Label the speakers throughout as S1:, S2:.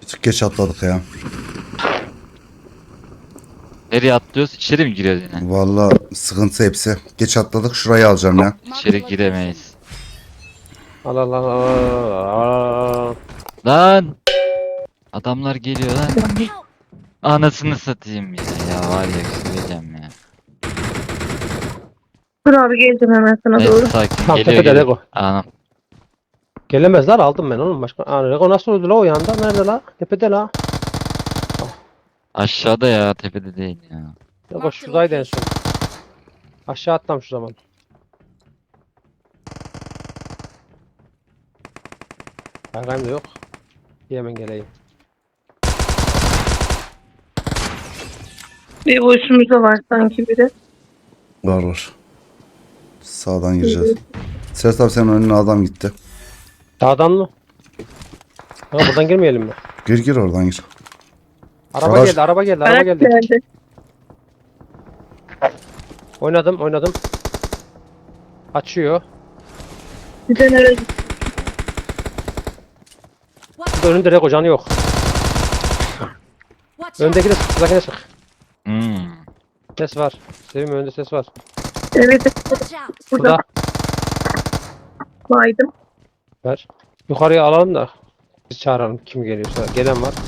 S1: Bir tık geç atladık ya.
S2: Nereye atlıyoruz? İçeri mi giriyoruz yine?
S1: Vallahi sıkıntı hepsi. Geç atladık. Şurayı alacağım ya.
S2: İçeri giremeyiz.
S3: Al al al al al.
S2: Lan! Adamlar geliyor lan. Anasını satayım ya. Ya var ya söyleyeceğim ya.
S4: Dur abi geleceğim hemen sana
S2: Neyse
S4: doğru.
S2: sakin.
S3: Tam
S2: Geliyor
S3: tepede
S2: geliyor.
S3: Lego.
S2: Anam.
S3: Gelemezler, aldım ben oğlum başka. Aa, Lego nasıl öldü la o yanda? Nerede la? Tepede la.
S2: Aşağıda ya tepede değil ya.
S3: Lego şuradaydı en son. Aşağı atlam şu zaman. Kaygayım da yok. Hemen geleyim.
S4: Bir boşumuzda var sanki biri.
S1: Var var. Sağdan gireceğiz. Serhat abi senin önüne adam gitti.
S3: Sağdan mı? Ha, buradan girmeyelim mi?
S1: Gir gir oradan gir.
S3: Araba
S1: Garaj.
S3: geldi, araba geldi, araba
S4: Ayak
S3: geldi.
S4: geldi.
S3: Oynadım. Açıyor.
S4: Bir de nereye
S3: Burada önünde Lego canı yok. Öndeki de sık, sıkakine sık. Ses var. Sevim önünde ses var.
S4: Evet burada
S3: Burada.
S4: baydım.
S3: Ver. Yukarıya alalım da biz çağıralım kim geliyorsa. Gelen var.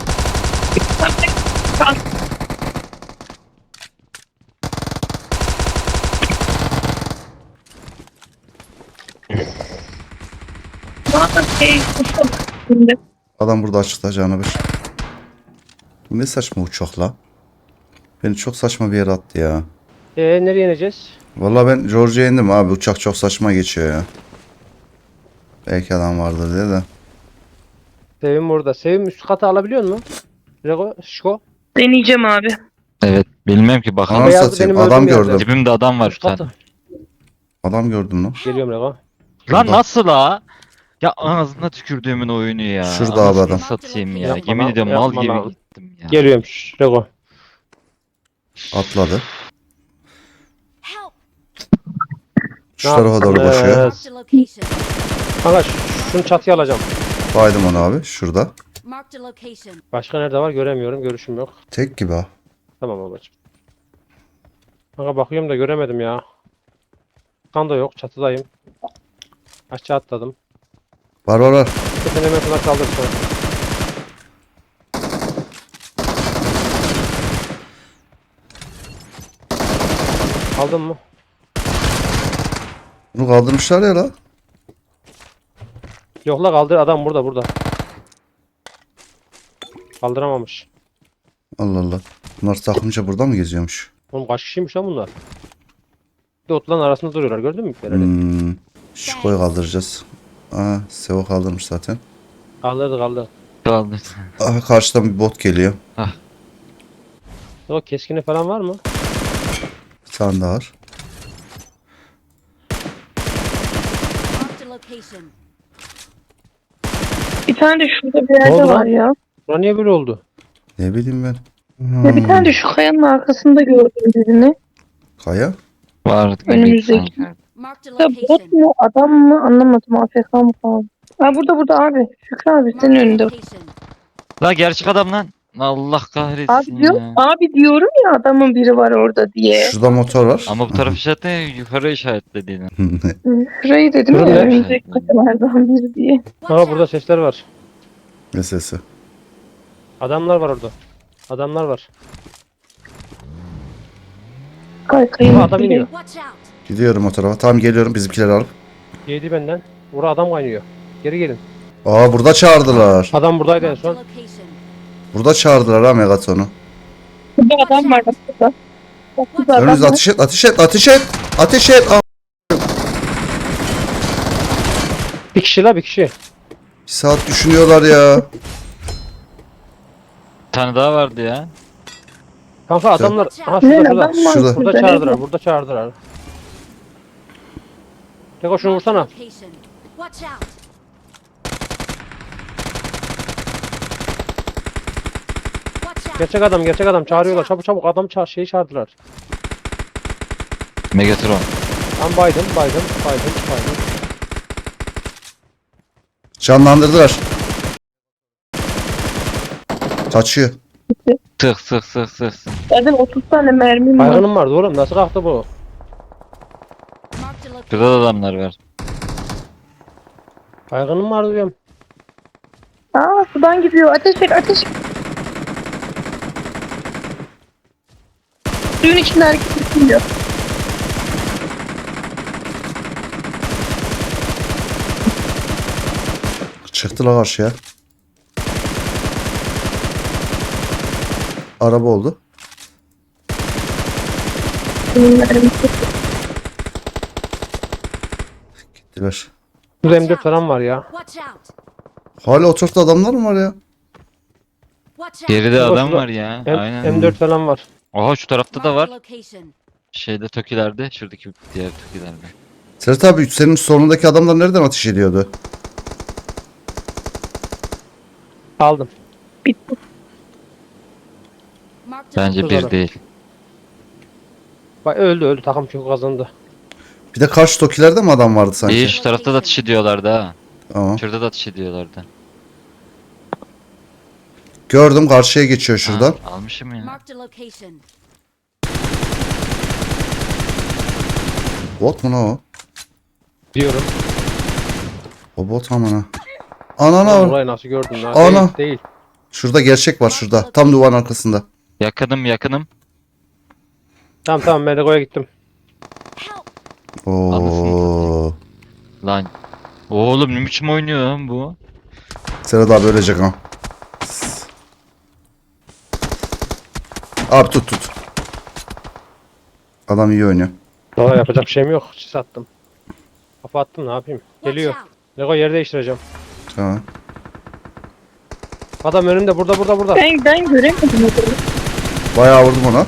S4: Bana şimdi.
S1: Adam burada açıkta canavır. Bu ne saçma uçak la. Beni çok saçma bir yere attı ya.
S3: Nereye ineceğiz?
S1: Vallahi ben George'ya indim abi. Uçak çok saçma geçiyor ya. Belki adam vardır diye de.
S3: Sevim burada. Sevim üst katı alabiliyor musun? Lego, Şiko.
S4: Deneyeceğim abi.
S2: Evet bilmem ki bakalım.
S1: Anam
S3: beyaz
S1: satayım.
S3: benim
S1: Adam
S3: öldüğüm yerde.
S1: gördüm.
S2: Dibimde adam var bir
S3: Üst
S2: tane.
S3: katı.
S1: Adam gördüm lan.
S3: Geliyorum Lego.
S2: Lan
S1: Şurada.
S2: nasıl la? Ya ağzına tükürdüğümün oyunu ya.
S1: Şurada abi
S2: Anasını
S1: adam.
S2: satayım ya.
S3: Yapma
S2: Yemin
S3: lan,
S2: ediyorum mal
S3: yapma
S2: gibi
S3: lan.
S2: gittim ya.
S3: Geliyorum Lego.
S1: Atladı. Şu tarafa doğru
S3: yaptın?
S1: koşuyor.
S3: Kanka şunu çatıya alacağım.
S1: Baydım onu abi. Şurada.
S3: Başka nerede var göremiyorum. Görüşüm yok.
S1: Tek gibi ha.
S3: Tamam babacığım. Kanka bakıyorum da göremedim ya. Kan da yok. Çatıdayım. Aşağı atladım.
S1: Var.
S3: Sen hemen sana kaldırsın. Aldın mı?
S1: Bunu kaldırmışlar ya la.
S3: Yok la kaldır, adam burada. Kaldıramamış.
S1: Allah Allah. Bunlar takımca burada mı geziyormuş?
S3: Oğlum kaç kişiymiş lan bunlar? Bir de otların arasında duruyorlar, gördün mü ipleri?
S1: Şiko'yu kaldıracağız. Aa, Sevo kaldırmış zaten.
S3: Kaldırdı.
S2: Kaldı.
S1: Aha, karşıdan bir bot geliyor.
S3: O keskini falan var mı?
S1: Bir tane daha var.
S4: Bir tane de şurada bir
S3: Ne
S4: yerde
S3: oldu lan?
S4: var ya.
S3: Bura niye böyle oldu?
S1: Ne bileyim ben.
S4: Ya bir tane de şu kayanın arkasında gördüm birini.
S1: Kaya.
S2: Var.
S4: Önümüzdeki. Ya bot mu adam mı anlamadım. AFK mı falan. Ha burada abi. Şükrü abi senin önünde.
S2: La gerçek adam lan. Allah kahretsin
S4: Abi diyor,
S2: ya.
S4: abi diyorum ya adamın biri var orada diye.
S1: Şurada motor var.
S2: Ama bu taraf işaretle yukarı işaretlediğini.
S4: Şurayı dedim ya
S3: Şurada.
S4: önümüzdeki kayalardan biri diye.
S3: Aa burada sesler var.
S1: Ne sesi?
S3: Adamlar var orada. Adamlar var.
S4: Kayın
S3: Adam iniyor.
S1: Gidiyorum o tarafa. Tamam geliyorum bizimkileri alıp.
S3: Yedi benden. Bura adam kaynıyor. Geri gelin.
S1: Aa burada çağırdılar.
S3: Adam buradaydı en son.
S1: Burada çağırdılar ha Megaton'u.
S4: Burada adam var bak burada. Bak burada adam
S1: Önünüzde
S4: var.
S1: ateş et. Aa,
S3: Bir kişi la bir kişi.
S1: bir saat düşünüyorlar ya.
S2: Bir tane daha vardı ya.
S3: Kanka adamlar. Aha
S4: Ne
S3: şurada.
S4: adam var
S1: Şurada.
S3: Burada çağırdılar. Burada çağırdılar. Lego şunu vursana. Gerçek adam çağırıyorlar. Çabuk adam şeyi çağırdılar.
S2: Megatron.
S3: Ben baydım.
S1: Canlandırdılar. Kaçıyor.
S2: Sık sık sık sık. sık.
S4: Zaten 30 tane mermim var.
S3: Baygınım vardı oğlum. Nasıl kalktı bu?
S5: Marked a
S2: Şurada da
S5: location.
S2: adamlar var.
S3: Baygınım vardı diyorum.
S4: Aa sudan gidiyor. Ateş et ateş. Suyun içinde hareket ediyor.
S1: Çıktılar karşıya. Araba oldu.
S4: Suyun mermisi.
S1: Gittiler.
S3: Burada M4 falan var ya.
S5: Watch out.
S1: Hala o tarafta adamlar mı var ya?
S5: Watch out.
S2: Geride
S3: Şurada,
S2: adam
S3: şurada.
S2: var ya.
S3: M-
S2: Aynen.
S3: M4 falan var.
S2: Oha şu tarafta da
S5: Marked
S2: var.
S5: a location.
S2: Şeyde Tokilerde. Şuradaki diğer Tokilerde.
S1: Serhat abi senin solundaki adamlar nereden ateş ediyordu?
S3: Aldım.
S4: Bitti.
S5: Marked a
S2: Bence
S3: Şurada.
S2: bir değil.
S3: Bak öldü takım çünkü kazandı.
S1: Bir de karşı tokilerde mi adam vardı sanki?
S2: İyi şu tarafta da atış ediyorlardı ha.
S1: Tamam.
S2: Şurada da atış ediyorlardı.
S1: Gördüm karşıya geçiyor şuradan.
S2: Ha, almışım ya.
S5: Marked a location.
S1: Bot mu lan o?
S3: Diyorum.
S1: O bot amına. Anana.
S3: Lan orayı nasıl gördün lan?
S1: Ana.
S3: Değil, değil.
S1: Şurada gerçek var şurada. Tam duvarın arkasında.
S2: Yakınım yakınım.
S3: Tamam ben Lego'ya gittim.
S5: Help.
S1: Oo.
S2: Lan. Oğlum ne biçim oynuyor lan bu?
S1: Serhat abi ölecek ha. Abi tut. Adam iyi oynuyor.
S3: Valla yapacak bir şeyim yok. Sis attım. Kafa attım ne yapayım.
S5: Watch
S3: Geliyor.
S5: out.
S3: Lego yer değiştireceğim.
S1: Tamam.
S3: Adam önümde burada.
S4: Ben göremedim adamı.
S1: Bayağı vurdum ona.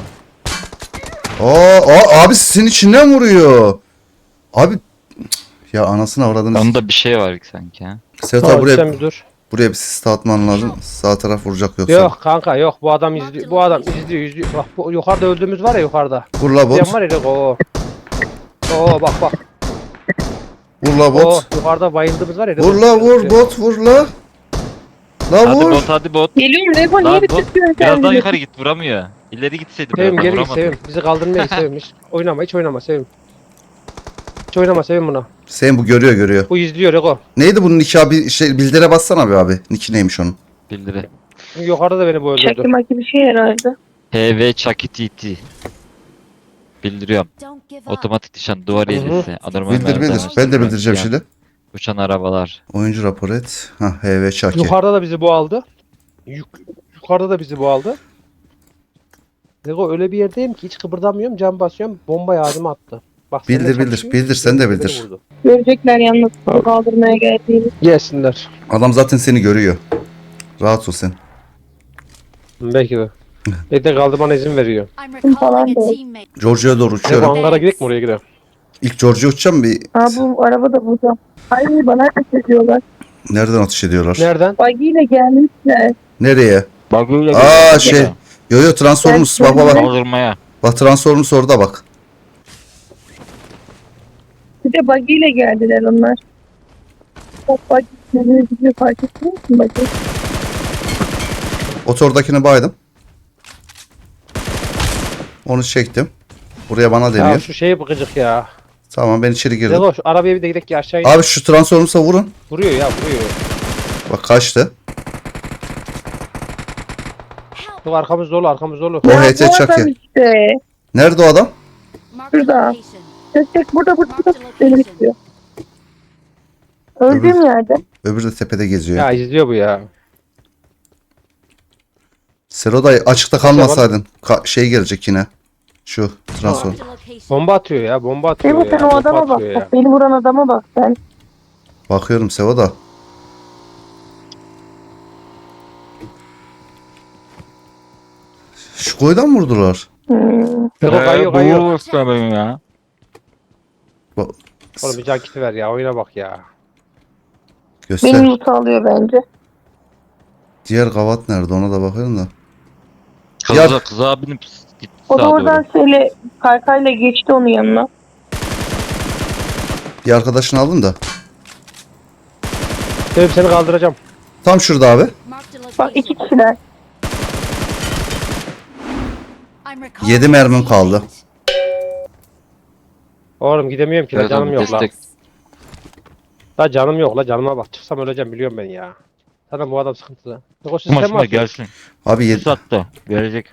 S1: Abi sizin içinden vuruyor. Abi ya anasını avradınız.
S2: Onda bir şey var sanki ha.
S1: Serhat abi
S3: Tamam sen bir dur.
S1: buraya bir sis atman lazım. Sağ taraf vuracak yoksa.
S3: Yok kanka yok bu adam izliyor. Bu adam izliyor. Bak bu yukarıda öldüğümüz var ya yukarıda.
S1: Vur la
S3: Diyen
S1: bot.
S3: var ya Lego. Oo bak.
S1: Vur la
S3: Oo
S1: bot.
S3: yukarıda bayıldığımız var ya.
S1: Vur la vur bot vur la. La
S2: Hadi
S1: vur.
S2: bot hadi bot.
S4: Geliyorum Lego
S2: Lan
S4: niye
S2: bot
S4: bitirtiyorsun
S2: biraz
S4: sen
S2: daha
S4: bizi?
S2: yukarı git vuramıyor. İleri gitseydi biraz
S3: Sevim
S2: daha
S3: geri git
S2: vuramadı.
S3: Sevim. Bizi kaldırmaya Sevim. Hiç oynama Sevim. Hiç oynama Sevim buna.
S1: Sen bu görüyor.
S3: Bu izliyor Lego.
S1: Neydi bunun niki abi? Bildire bassana be abi. Niki neymiş onun?
S2: Bildiri.
S3: Yukarıda da beni bu öldürdü.
S4: Çakma gibi bir şey herhalde.
S2: HV Chucky TT. Bildiriyorum.
S5: Don't give up.
S2: Otomatik nişan duvar
S3: Hı hı.
S2: hilesi. Anormal
S1: Bildir.
S2: merdiven,
S1: Ben de bildireceğim şimdi.
S2: Uçan arabalar.
S1: Oyuncu rapor et. Ha HV Çaki.
S3: Yukarıda da bizi bu aldı. Yukarıda da bizi bu aldı. Lego öyle bir yerdeyim ki hiç kıpırdamıyorum. Cam basıyorum. Bomba ağzıma attı. Bak
S1: Bildir,
S3: seninle
S1: bildir.
S3: çatışıyor,
S1: Bildir, sen de
S3: beni
S1: bildir.
S3: vurdu.
S4: Görecekler yalnız kaldırmaya geldiğini.
S3: Gelsinler.
S1: Adam zaten seni görüyor. Rahat ol sen.
S3: Belki de. Bir de kaldırmana izin veriyor.
S5: I'm
S4: Falan
S5: recalling a
S4: değil.
S5: teammate.
S1: Georgia'ya doğru
S3: Lego
S1: uçuyorum.
S3: hangara gidelim mi oraya gidelim?
S1: İlk Georgia uçacağım bir.
S4: Aa bu araba da burada. Ay bana ateş ediyorlar.
S1: Nereden atış ediyorlar?
S3: Nereden?
S4: Buggy ile gelmişler.
S1: Nereye?
S2: Baguyla
S1: Aa şey. Yo Transformers. Bak.
S2: Kaldırmaya.
S1: Bak Transformers orada bak.
S4: Bir de buggy ile geldiler onlar. Bak buggy nereye gidiyor fark ettin mi buggy?
S1: Otordakini baydım. Onu çektim. Buraya bana
S3: Ya
S1: deniyor.
S3: şu şeye bakacak ya.
S1: Tamam ben içeri girdim.
S3: Lego şu arabaya bir de gidelim ki aşağı in.
S1: Abi şu Transformers'a vurun.
S3: Vuruyor ya vuruyor.
S1: Bak kaçtı.
S5: Help.
S3: Yok arkamız dolu.
S1: O
S4: Ya
S1: HT
S4: bu adam
S1: Chucky.
S4: işte.
S1: Nerede o adam?
S5: Marked a
S4: Şurada.
S5: location.
S4: Tek burada beni bekliyor. Öldüğüm yerde.
S1: Öbürü de tepede geziyor.
S3: Ya izliyor bu ya.
S1: Seroday açıkta kalmasaydın. Şey gelecek yine. Şu Transform.
S5: Marked a location.
S3: Bomba atıyor ya. Bomba atıyor
S4: Sebo
S3: ya.
S4: sen o adama
S3: bomba
S4: bak.
S3: atıyor ya.
S4: Bak beni vuran adama bak sen.
S1: Bakıyorum Sevo da. Şu koydan mı vurdular?
S3: Lego kayıyor.
S2: Bu ya.
S1: Bak,
S3: Oğlum bir can kiti ver ya. Oyuna bak ya.
S1: göster.
S4: Benim loot alıyor bence.
S1: Diğer kavat nerede ona da bakıyorum da.
S2: Kıza binip gitti
S4: O da
S2: sağa
S4: oradan
S2: doğru.
S4: şöyle kaykayla geçti onun yanına.
S1: Bir arkadaşını aldım da.
S3: Sevim seni kaldıracağım.
S1: Tam şurada abi.
S5: Marked a
S4: Bak iki
S5: location.
S4: kişiler.
S5: I'm recalling
S1: 7 mermim
S5: a
S1: kaldı.
S5: teammate.
S3: Oğlum gidemiyorum ki la
S2: Evet
S3: canım
S2: abi,
S3: yok la.
S2: destek.
S3: La canım yok la canıma bak. Çıksam öleceğim biliyorum ben ya. Sana bu adam sıkıntılı. Yok sen mi
S2: Maşına
S3: atıyorsun?
S2: gelsin.
S1: Abi
S2: Bu saatte verecek.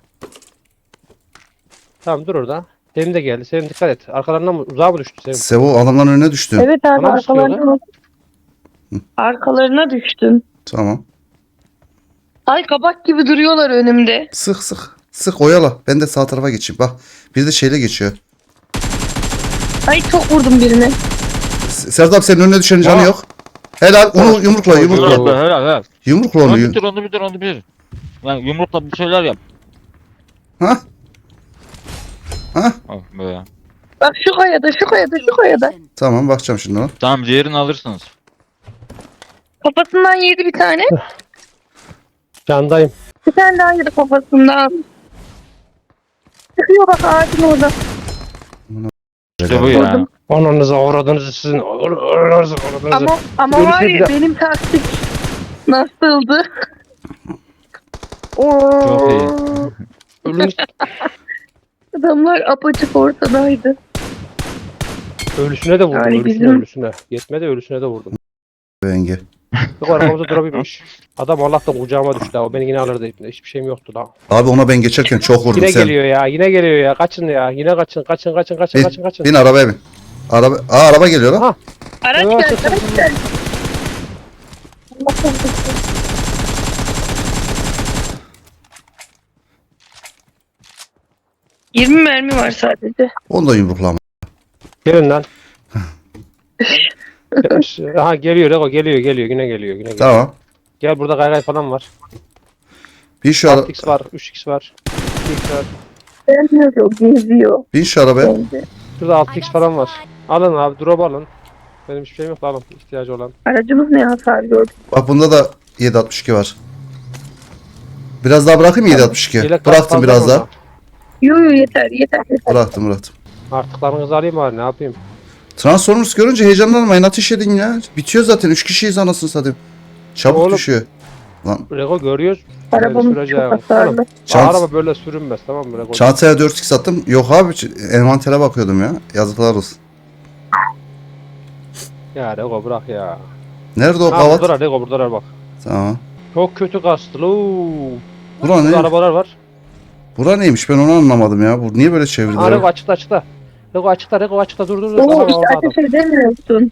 S3: Tamam dur orada. Sevim de geldi. Sevim dikkat et. Arkalarından mı uzağa mı düştü Sevim?
S1: Sevo adamların önüne düştü.
S4: Evet abi
S3: Bana mı sıkıyor
S4: arkalarına düştüm.
S1: Tamam.
S4: Ay kabak gibi duruyorlar önümde.
S1: Sık sık. Sık oyala. Ben de sağ tarafa geçeyim. Bak. Bir de şeyle geçiyor.
S4: Ay çok vurdum birine.
S1: Serdar abi senin önüne düşenin canı
S3: Aa.
S1: yok. Helal. Onu yumrukla yumrukla.
S2: Helal helal helal.
S1: Yumrukla onu.
S2: Onu bitir onu bitir onu bitir. Yani yumrukla bir şeyler yap.
S1: Ha? Ha?
S2: Oh be.
S4: Bak şu kayada şu kayada şu kayada.
S5: Location.
S1: Tamam bakacağım şimdi ona.
S2: Tamam diğerini alırsınız.
S4: Kafasından yedi bir tane.
S3: Candayım.
S4: Bir tane daha yedi kafasından. Çıkıyor bak ağacın orada.
S2: İşte bu ya.
S4: Vurdum.
S3: Ananıza uğradınız sizin. Ananıza uğradınız.
S4: Ama
S3: Öyle
S4: var
S3: şey
S4: ya
S3: bile-
S4: benim taktik nasıldı?
S2: Çok iyi.
S3: Ölünüz,
S4: Adamlar apaçık ortadaydı.
S3: ölüsüne de vurdum.
S4: Yani
S3: Ölüsüne
S4: bizim-
S3: ölüsüne. Yetmedi ölüsüne de vurdum.
S1: Yenge.
S3: Yok arkamızda durabilmiş. Adam Allah'tan kucağıma düştü ha. O beni yine alırdı. Hiçbir şeyim yoktu la.
S1: Abi ona ben geçerken çok vurdum
S3: Yine
S1: sen.
S3: geliyor ya. Yine geliyor ya. Kaçın ya. Yine kaçın. Kaçın kaçın kaçın
S1: Bin,
S3: kaçın kaçın.
S1: bin arabaya bin. Araba geliyor lan.
S3: Ha.
S4: Araç
S3: Evet,
S4: geldi,
S3: evet.
S4: araç geldi. Allah korusun. ...20 mermi var sadece.
S1: Onu da yumruklama.
S3: Gelin lan. Ha geliyor Rego geliyor yine geliyor yine geliyor.
S1: Tamam.
S3: Gel burada kaygay falan var.
S1: Bin şu,
S3: 6x var 3x var 2x var.
S4: Gelmiyor o geziyor.
S1: bin şu arabaya.
S4: Bence.
S3: Şurada
S5: I
S3: 6x
S5: got
S3: falan var.
S5: supplies.
S3: Alın abi drop alın. Benim hiçbir şeyim yok alın ihtiyacı olan.
S4: Aracımız ne hasar gördü?
S1: Bak bunda da 7.62 var. Biraz daha bırakayım mı 7.62?
S3: Yelek
S1: Bıraktım
S3: fazla
S1: biraz
S3: mı
S1: daha.
S3: orada?
S4: Yo yeter yeter.
S1: Bıraktım.
S3: Artıklarınızı alayım bari ne yapayım.
S1: Transformers görünce heyecanlanmayın, ateş edin ya. Bitiyor zaten, 3 kişiyiz anasını satayım. Çabuk
S3: Oğlum.
S1: düşüyor. Lan
S3: Rego görüyoruz. Böyle
S4: Arabamız
S3: süreceğim.
S4: çok hasarlı.
S3: Oğlum,
S1: Çant-
S3: araba böyle sürünmez tamam mı Rego?
S1: çantaya 4x attım. Yok abi, envantere bakıyordum ya. Yazıklar olsun.
S3: Ya Rego bırak ya.
S1: Nerede o
S3: Ha
S1: kavat?
S3: buradalar Rego buradalar bak.
S1: Tamam.
S3: Çok kötü kastı loo.
S1: Bura
S3: Burada
S1: ne?
S3: arabalar var.
S1: Bura neymiş, ben onu anlamadım ya. Bu niye böyle
S3: Ha
S1: çevirdiler?
S3: Rego açıkta açıkta. Rego açıkta dur.
S4: Oo
S3: Aha,
S4: işte
S3: orada adam.
S4: ateş edemiyorsun.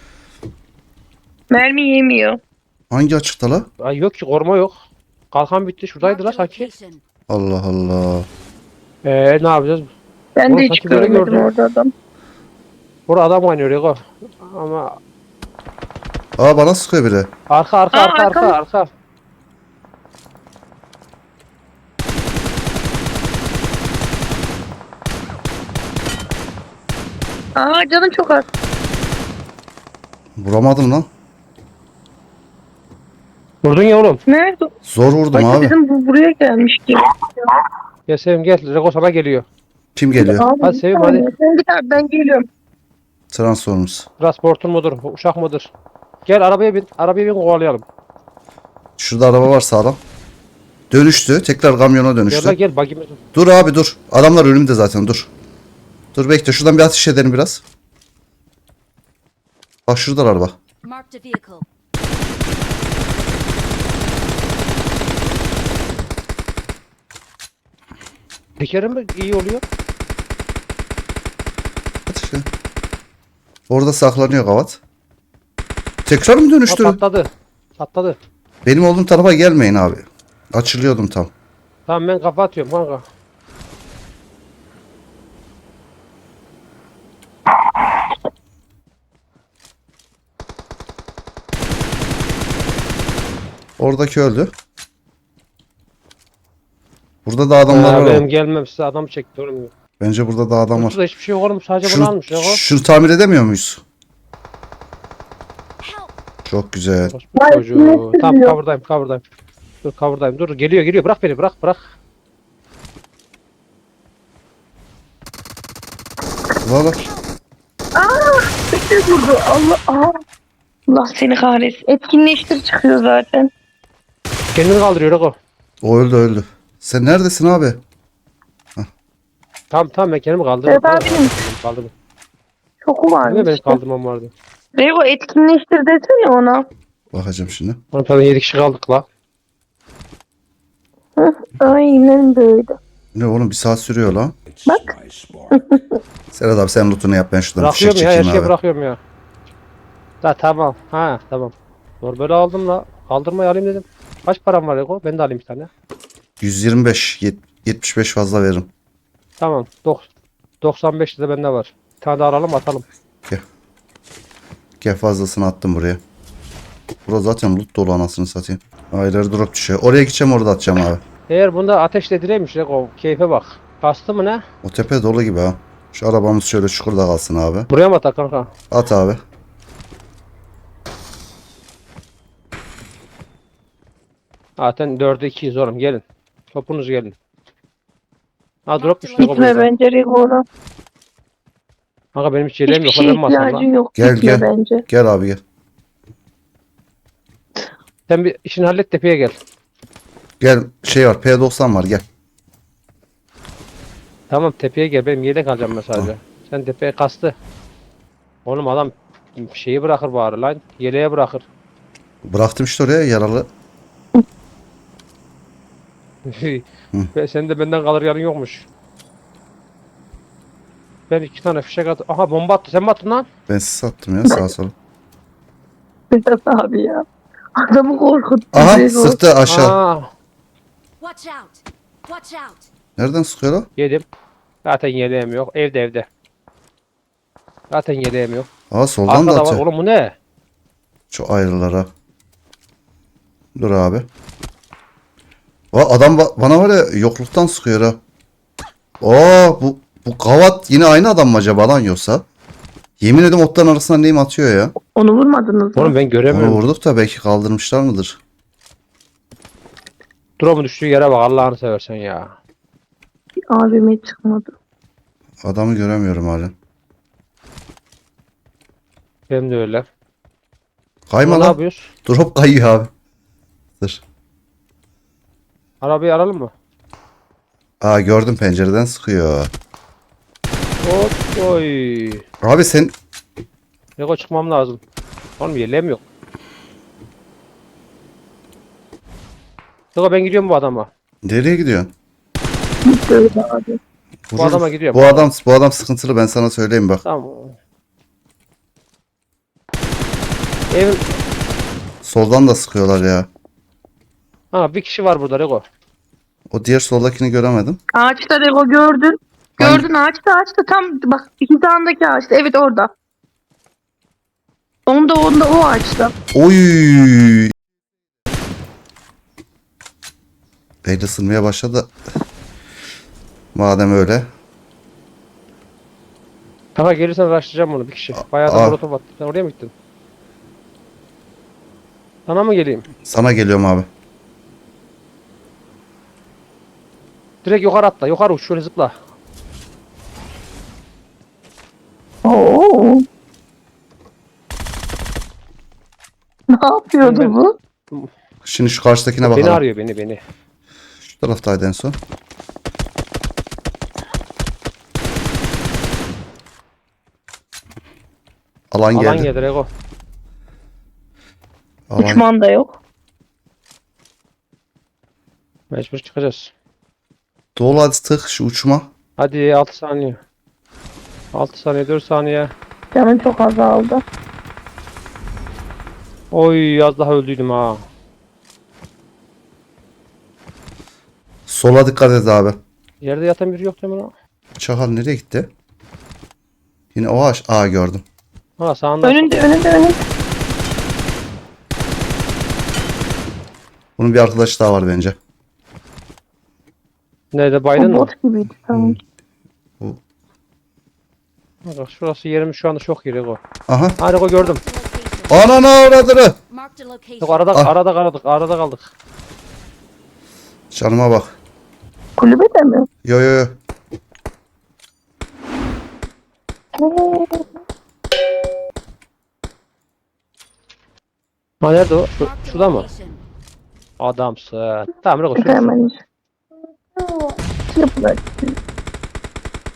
S4: Mermi yemiyor.
S1: Hangi açıkta la?
S3: Ay yok ki koruma yok. Kalkan bitti şuradaydı la
S5: Marked a
S3: sanki.
S5: location.
S1: Allah Allah.
S3: Ne yapacağız?
S4: Ben
S3: Oğlum
S4: de hiç
S3: sanki böyle
S4: görmedim
S3: gördüm.
S4: orada adam.
S3: Burada adam oynuyor Rego. Ama
S1: Aa, bana sıkıyor biri.
S3: arka arka.
S4: Aa canım çok az.
S1: Vuramadım lan.
S3: Vurdun ya oğlum.
S4: Nerede?
S1: Zor vurdum
S4: Ay
S1: abi.
S4: bizim bu buraya gelmiş ki.
S3: Gel Sevim gel. Rego sana geliyor.
S1: Kim geliyor?
S4: Abi,
S3: Hadi
S4: bir
S3: Sevim,
S4: saniye.
S3: hadi.
S4: Sen git abi ben geliyorum.
S1: Transformers.
S3: Transportun mudur? Uşak mıdır? Gel arabaya bin. Arabaya bin kovalayalım.
S1: Şurada araba var sağlam. Dönüştü. Tekrar kamyona
S3: Gel
S1: dönüştü.
S3: la gel bagimiz.
S1: Dur abi dur. Adamlar önümde zaten, dur. Dur bekle, şuradan bir ateş edelim biraz. Bak şurada araba.
S5: Marked a vehicle.
S3: Tekerim mi iyi oluyor?
S1: Ateş edin. Orada saklanıyor kavat. Tekrar mı
S3: Ha,
S1: dönüştü?
S3: patladı.
S1: Benim olduğum tarafa gelmeyin abi. Açılıyordum tam.
S3: Tamam ben kafa atıyorum kanka.
S1: Oradaki öldü. Burada da adamlar var.
S3: Benim gelmem size adam çekti oğlum.
S1: Bence burada da adam var.
S3: Burada hiçbir şey yok oğlum sadece bunu almış Rego.
S1: Şunu tamir edemiyor muyuz?
S5: Help.
S1: Çok güzel.
S3: Orospu
S4: Vay,
S3: çocuğu.
S4: sinir
S3: Tamam
S4: sürüyor.
S3: cover'dayım. Dur cover'dayım. Dur geliyor bırak beni bırak.
S1: Valla.
S4: Bir vurdu. Allah. Allah seni kahretsin. Etkinleştir çıkıyor zaten.
S3: Kendini kaldırıyor Rego.
S1: O öldü. Sen neredesin abi? Hah.
S3: Tamam ben kendimi kaldırdım.
S4: Evet abinin
S3: Kaldırdım.
S4: şoku
S3: Ne
S4: varmış.
S3: benim kaldırmam vardı.
S4: Rego etkinleştir desene ona.
S1: Bakacağım şimdi.
S3: Oğlum zaten 7 kişi kaldık la.
S4: Hı, aynen böyle.
S1: Ne oğlum, bir saat sürüyor lan.
S4: Bak.
S1: Serhat abi sen lootunu yap, ben şuradan fişek
S3: Bırakıyorum ya, her
S1: çekeyim
S3: şeyi
S1: abi.
S3: bırakıyorum ya. Ha tamam. Ha tamam. Doğru böyle aldım la. Kaldırmayı alayım dedim. Kaç param var Ego? Ben de alayım bir tane.
S1: 125, 75 fazla veririm.
S3: Tamam. 95 de bende var. Bir tane daha alalım atalım.
S1: Gel fazlasını attım buraya. Burası zaten loot dolu, anasını satayım. Ayları drop düşüyor. Oraya gideceğim, orada atacağım abi.
S3: Eğer bunda ateşle direymiş Ego. Keyfe bak. Kastı mı ne?
S1: O tepe dolu gibi ha. Şu arabamız şöyle çukurda kalsın abi.
S3: Buraya mı atak kanka?
S1: At abi.
S3: Zaten 4'e 2'yiz oğlum gelin. Topunuz gelin. Ha drop düştü Ego
S4: Gitme
S3: burada.
S4: bence Rego ona.
S3: Kanka benim hiç yeleğim
S4: Hiçbir
S3: yok.
S4: şeye
S3: Ben masam
S4: ihtiyacın
S3: lan.
S4: yok.
S1: Gel,
S4: Gitme
S1: gel.
S4: bence.
S1: Gel abi gel.
S3: Sen bir işini hallet tepeye gel.
S1: Gel, şey var, P90 var, gel.
S3: Tamam tepeye gel. Benim yelek alacağım ben sadece. Sen tepeye kastı. Oğlum adam şeyi bırakır bari lan. Yeleğe bırakır.
S1: Bıraktım işte oraya, yaralı.
S3: Ve senin de benden kalır yarın yokmuş. Ben 2 tane fişek attım. Aha bomba attı. Sen mi attın lan?
S1: Ben size attım ya, sağa sola.
S4: Vedat abi ya. Adamı korkuttu.
S1: Aha,
S4: Rego.
S1: sıktı aşağı.
S3: Aa,
S5: Watch out! Watch out!
S1: Nereden sıkıyor o?
S3: yedim. Zaten yeleğim yok. Evde. Zaten yeleğim yok.
S1: Aa, soldan da
S3: Arkada var.
S1: atıyor.
S3: Oğlum bu ne?
S1: Şu ayrılara. Dur abi. Adam bana var ya, yokluktan sıkıyor ha. Bu kavat yine aynı adam mı acaba lan, yoksa? Yemin ederim otların arasından neyim atıyor ya.
S4: Onu vurmadınız mı?
S3: Oğlum ben
S1: Onu
S3: göremiyorum.
S1: vurduk da belki kaldırmışlar mıdır?
S3: Drone'un düştüğü yere bak Allah'ını seversen ya.
S4: Abime çıkmadı.
S1: Adamı göremiyorum hala.
S3: Benim de öyle.
S1: Kayma
S3: Ne
S1: lan.
S3: yapıyoruz?
S1: Drop kayıyor abi. Dur.
S3: Arabayı aralım mı?
S1: Aa, gördüm, pencereden sıkıyor.
S3: Hop oy.
S1: Abi sen
S3: Lego çıkmam lazım. Oğlum yeleğim yok. Lego ben gidiyorum bu adama.
S1: nereye gidiyorsun?
S4: Böyle abi.
S3: Bu adama gidiyorum.
S1: Bu adam sıkıntılı, ben sana söyleyeyim bak.
S3: Tamam. Evin...
S1: Soldan da sıkıyorlar ya.
S3: Ha bir kişi var burada Lego.
S1: O diğer soldakini göremedim.
S4: Ağaçta Rego gördün. Gördün ağaçta tam bak hizandaki ağaçta. Evet orada. Onda o ağaçta.
S1: Oy! El ısınmaya başladı. Madem öyle.
S3: Kanka gelirsen araştıracağım bunu bir kişi. Bayağı da
S1: Aa.
S3: molotof attı. Sen oraya mı gittin? Sana mı geleyim?
S1: Sana geliyorum abi.
S3: Direkt yukarı atla. Yukarı uç şöyle zıpla.
S4: Oo. Ne yapıyordu
S3: Ben-
S4: bu?
S1: Şimdi şu karşıdakine
S3: Beni
S1: bakalım.
S3: arıyor beni.
S1: Şu taraftaydı en son. Alan
S3: Alan
S1: geldi.
S3: geldi Lego.
S1: Alan.
S4: Uçman da yok.
S3: Mecbur çıkacağız.
S1: Dolu, hadi tık şu uçma.
S3: Hadi 6 saniye. 6 saniye 4 saniye.
S4: Canım çok azaldı.
S3: Oy az daha öldüydüm ha.
S1: Sola dikkat et abi.
S3: Yerde yatan biri yok değil mi lan?
S1: Çakal nereye gitti? Yine o ağaç. Aa, gördüm.
S3: Ha sağında.
S4: Önünde.
S1: Bunun bir arkadaşı daha var bence.
S3: Nerede
S4: O
S3: baydın mı?
S4: bot gibiydi sanki.
S3: Bak şurası yerimiz şu anda çok iyi Lego.
S1: Aha.
S3: Ha Lego gördüm.
S5: Location.
S1: Ananı avradını.
S5: Marked a location.
S3: Yok arada
S1: Ah.
S3: arada kaldık.
S1: Canıma bak.
S4: Kulübede mi?
S1: Yo.
S3: Ha nerede o?
S5: Marked a
S3: Şurada mı?
S5: location.
S3: Adamsın. Tamam Lego şurada.
S4: Hemen. Yapılar.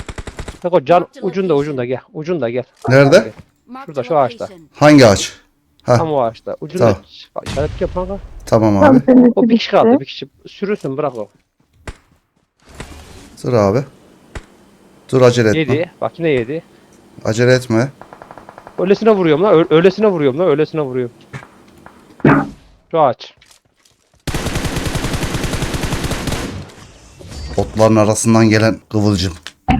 S3: Bak can ucunda gel. Ucunda gel.
S1: Nerede?
S5: Marked
S3: Şurada,
S5: a
S3: şu ağaçta.
S5: location.
S1: Hangi ağaç?
S3: Tam o ağaçta. Ucunda
S1: Tamam.
S3: bak, işaret yap kanka.
S1: Tamam
S4: Tam
S1: abi.
S4: senin
S3: O bir kişi kaldı.
S4: bitti.
S3: Bir kişi sürürsün bırak o.
S1: Dur abi. Dur acele etme.
S3: Yedi. Bak yine yedi.
S1: Acele etme.
S3: Öylesine vuruyorum lan. Öylesine vuruyorum lan. Öylesine vuruyorum. Şu ağaç.
S1: Otların arasından gelen kıvılcım.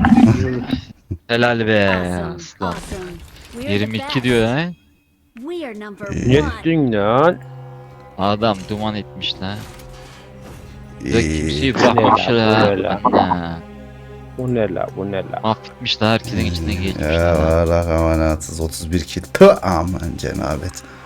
S2: Helal be
S5: Awesome.
S2: aslan.
S5: Awesome. We're the
S2: 22
S5: best.
S2: diyor ha.
S5: We are number
S3: Ne
S5: one.
S3: ettin lan?
S2: Adam duman etmiş lan. Ya
S1: İyi.
S2: kimseyi
S3: bu
S2: bırakmamışlar
S3: ne
S2: ha.
S3: lan?
S2: Ha.
S3: Bu ne la? Bu ne la?
S2: Mahvetmişler herkesin içinden geçmişler.
S1: Ya var rahmanatsız 31 kill. Tüh, aman cenabet.